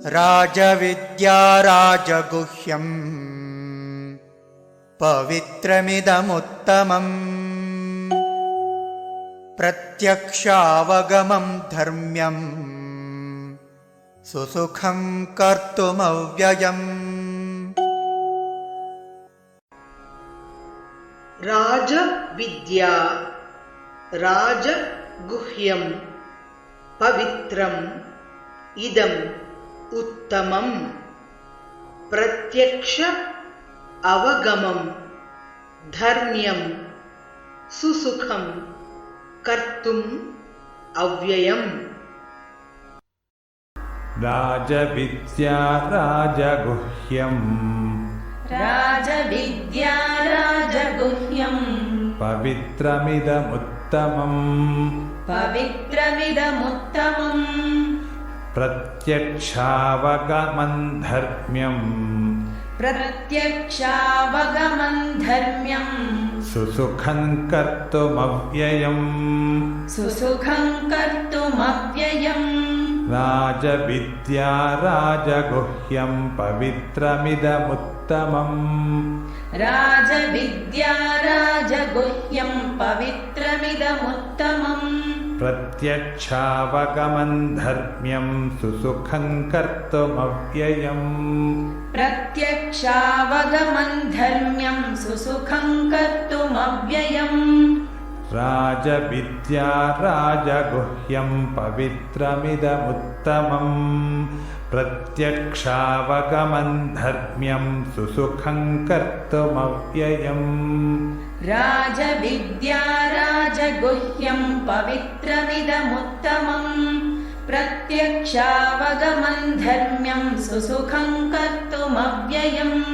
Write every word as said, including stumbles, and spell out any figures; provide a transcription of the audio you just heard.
राजविद्या राजगुह्यम् पवित्रमिदमुत्तमम् प्रत्यक्षावगमं धर्म्यं सुसुखं कर्तुमव्ययम्। राजविद्या राजगुह्यं पवित्रम् इदम् उत्तमम् प्रत्यक्ष अवगमं धर्म्यं सुसुखं कर्तुम् अव्ययम्। राजविद्या राजगुह्यम् राजविद्या राजगुह्यम् पवित्रमिदमुत्तमम् पवित्रमिदमुत्तमम् प्रत्यक्षावगमं धर्म्यम् प्रत्यक्षावगमं धर्म्यम् सुसुखं कर्तुमव्ययम् सुसुखं कर्तुमव्ययम्। राजविद्या राजगुह्यं पवित्रमिदमुत्तमम् राजविद्या राजगुह्यं पवित्रमिदमुत्तमम् प्रत्यक्षावगमं धर्म्यं सुसुखं कर्तुमव्ययम् प्रत्यक्षावगमं धर्म्यं सुसुखं कर्तुमव्ययम्। राजविद्या राजगुह्यं पवित्रमिदमुत्तमम् प्रत्यक्षावगमं धर्म्यं सुसुखं कर्तुमव्ययम्। राजविद्या राजगुह्यं पवित्रमिदमुत्तमम् प्रत्यक्षावगमं धर्म्यं सुसुखं कर्तुमव्ययम्।